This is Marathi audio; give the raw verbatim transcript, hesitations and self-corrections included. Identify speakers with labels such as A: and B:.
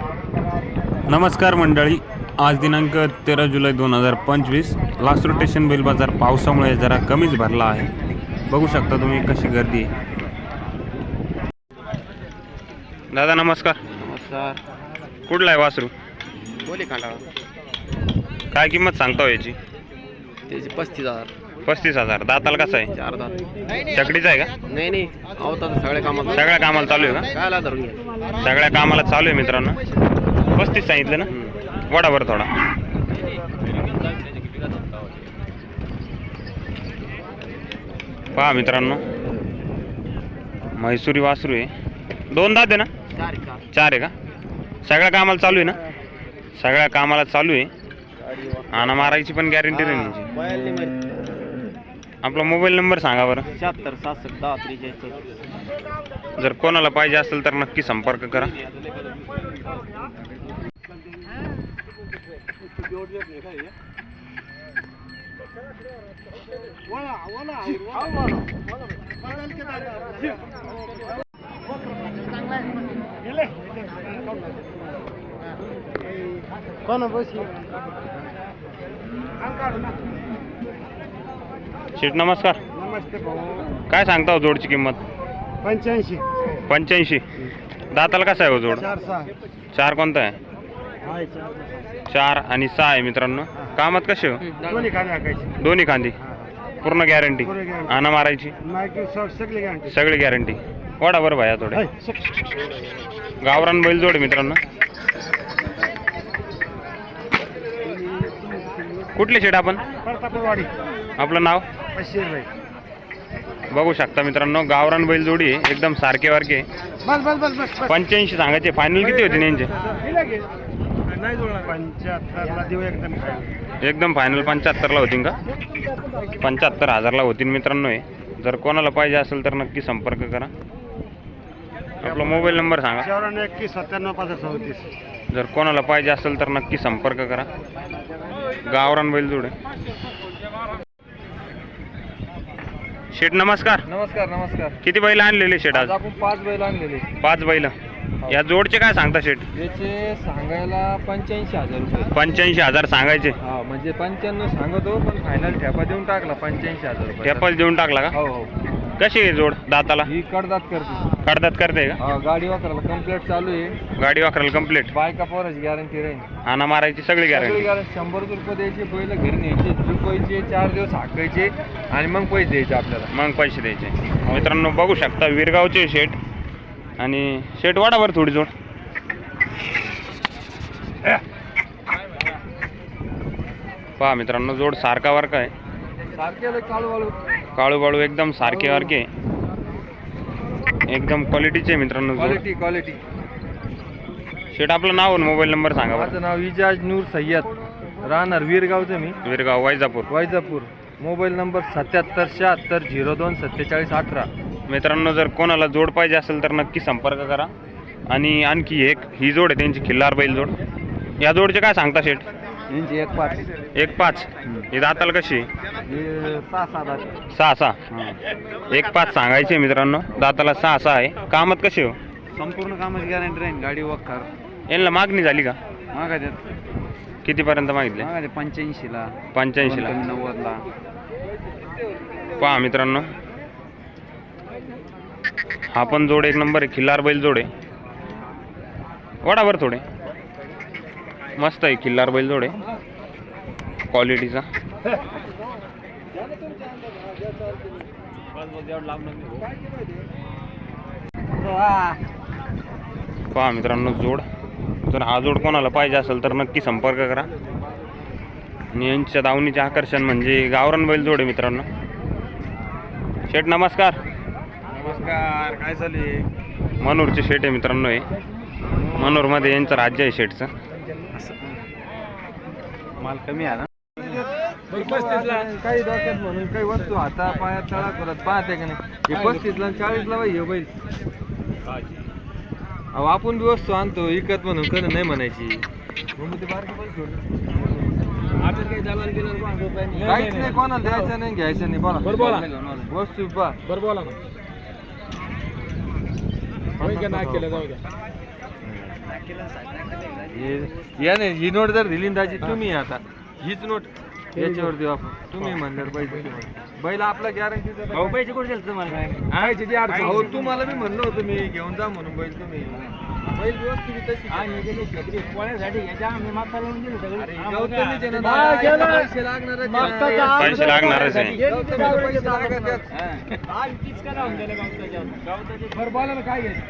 A: नमस्कार मंडळी, आज दिनांक तेरा जुलै दोन हजार पंचवीस. लासूर स्टेशन बैल बाजार पावसामुळे जरा कमीच भरला आहे. बघू शकता तुम्ही कशी गर्दी आहे. दादा नमस्कार.
B: नमस्कार.
A: कुठला आहे वासरू?
B: बोले कांडा.
A: काय किंमत सांगता याची?
B: त्याचे पस्तीस हजार.
A: पस्तीस हजार. दाताला कसा आहे?
B: चार दात.
A: चकडीचा आहे का?
B: नाही नाही आवतात सगळ्या कामाला.
A: सगळ्या कामाला चालू आहे का?
B: कायला धरून घ्या.
A: सगळ्या कामाला चालू आहे मित्रांनो. पस्तीस सांगितलं ना? वडाभर थोडा. पहा मित्रांनो, म्हैसूरी वासरू आहे. दोन दात आहे ना?
B: चार
A: चार आहे का? सगळ्या कामाला चालू आहे ना? सगळ्या कामाला चालू आहे. आणा मारायची पण गॅरंटी नाही. आपला मोबाईल नंबर सांगा बरं.
B: शहात्तर सहासष्ट दहा त्रेचाळीस.
A: जर कोणाला पाहिजे असेल तर नक्की संपर्क करा. शेठ नमस्कार.
B: नमस्ते भाऊ.
A: काय सांगता हो जोडची किंमत?
B: पंच्याऐंशी.
A: पंच्याऐंशी. दाताला कसा आहे हो जोड?
B: चार सहा.
A: चार कोणता आहे?
B: हाय
A: चार आणि सहा आहे मित्रांनो. कामात कसे हो?
B: दोन्ही खाली हाकायची.
A: दोन्ही खांदी पूर्ण गॅरंटी. आणा मारायची
B: सगळी गॅरंटी.
A: सगळी गॅरंटी. वाडा बरं भाया थोडे. गावरान बैल जोड मित्रांनो. कुठले शेड आपण?
B: परतापूरवाडी.
A: आपलं नाव?
B: बशीर भाई.
A: बघू शकता मित्रांनो, गावरान बैल जोडी आहे. एकदम सारखे वारखे.
B: बस बस बस बस.
A: पंच्याऐंशी सांगायचे. फायनल किती होते यांचे?
B: पंच्याहत्तरला देऊ एकदम.
A: एकदम फायनल पंच्याहत्तरला होतील का? पंच्याहत्तर हजारला होतील मित्रांनो. हे जर कोणाला पाहिजे असेल तर नक्की संपर्क करा. आपला मोबाईल नंबर सांगा.
B: चौऱ्याण्णव एकवीस सत्त्याण्णव पाच चौतीस.
A: जर कोणाला पाहिजे असेल तर नक्की संपर्क करा. गावरान बैल जोड आहे. शेठ नमस्कार.
B: नमस्कार नमस्कार.
A: किती बैल आणलेले शेठ आज?
B: आपण पाच बैल आणलेले.
A: पाच बैल. या जोडचे काय सांगता शेठ?
B: याचे सांगायला पंच्याऐंशी हजार रुपये.
A: पंच्याऐंशी हजार सांगायचे.
B: हा म्हणजे पंच्याण्णव सांगतो पण फायनल ठेपा देऊन टाकला पंच्याऐंशी हजार रुपये.
A: ठेपाच देऊन टाकला का?
B: हो हो.
A: कशी आहे जोड दाताला?
B: ही कडदात करते.
A: कडदात करते का?
B: हा गाडी वापरायला कंप्लीट चालू आहे.
A: गाडी वाकरायला कंप्लीट.
B: बायका पोराची गॅरंटी राहील.
A: आणा मारायची सगळी गॅरंटी.
B: गॅरंटी. शंभर रुपये द्यायचे बैल घरी न्यायचे झुकवायचे चार दिवस हाकायचे आणि मग पैसे द्यायचे आपल्याला.
A: मग पैसे द्यायचे. मित्रांनो बघू शकता विरगावचे शेठ. आणि शेठ वाडावर थोडी जोड. पहा मित्रांनो, जोड सारखा वारका आहे.
B: सारखे काळू वाळू.
A: काळू बाळू एकदम सारखे वारखे. एकदम क्वालिटीचे मित्रांनो.
B: Quality quality.
A: शेठ आपलं नाव आणि मोबाईल नंबर सांगा बरं.
B: माझं नाव इजाज नूर सय्यद. राहणार वीरगावचं मी.
A: विरगाव वैजापूर.
B: वैजापूर. मोबाईल नंबर सत्याहत्तर शहात्तर झिरो दोन सत्तेचाळीस अठरा.
A: मित्रांनो जर कोणाला जोड पाहिजे असेल तर नक्की संपर्क करा. आणि आणखी एक ही जोड आहे त्यांची खिल्लार बैल जोड. या जोडचे काय सांगता शेठ?
B: यांची एक पाच.
A: एक पाच. ही दाताला कशी?
B: सहा सात.
A: सहा सहा. एक पाच सांगायचे मित्रांनो. दाताला सहा सहा आहे. कामात कशी हो?
B: संपूर्ण कामाची गॅरंटी राहील. गाडी वखर.
A: यांना मागणी झाली का?
B: मागा त्यात
A: कितीपर्यंत मागितले?
B: मागा ते पंच्याऐंशीला.
A: पंच्याऐंशीला.
B: नव्वदला.
A: पहा मित्रांनो, हा पण जोड एक नंबर आहे. खिल्लार बैल जोड आहे. वडाभर थोडे. मस्त आहे. खिल्लार बैल जोड आहे क्वालिटीचा. पहा मित्रांनो जोड. जर हा जोड कोणाला पाहिजे असेल तर नक्की संपर्क करा. आणि यांच्या दावणीचे आकर्षण म्हणजे गावरान बैल जोड आहे मित्रांनो. शेठ नमस्कार.
B: नमस्कार. काय चालू आहे?
A: मनोरचे शेठ आहे मित्रांनो. हे मनोरमध्ये यांचं राज्य आहे शेठचं.
B: माल कमी आहे ना. काही डोक्यात म्हणून काही वस्तू हाता पायात तळा करत पाहते का नाही. हे पस्तीसला चाळीसला बाई हे बैल. अहो आपण बी वस्तू आणतो विकत म्हणून कधी नाही म्हणायची. काहीच नाही कोणाला द्यायचं नाही घ्यायचं नाही. बोला वस्तू पा बरं बोला ना. हे- या नाही ही नोट जर दिली ना दाजी तुम्ही आता हीच नोट याच्यावर देऊ आपण तुम्ही म्हणणार पैसे बैल आपला गॅरंटीचा पैसे कुठे दिले तुम्हाला भाऊ तुम्हाला मी म्हणलं होतं मी घेऊन जा म्हणून बैल तुम्ही बैल व्यवस्थित तशी पैसे लागणार
A: पैसे लागणारच आहे.
B: बोला ना काय घ्यायचं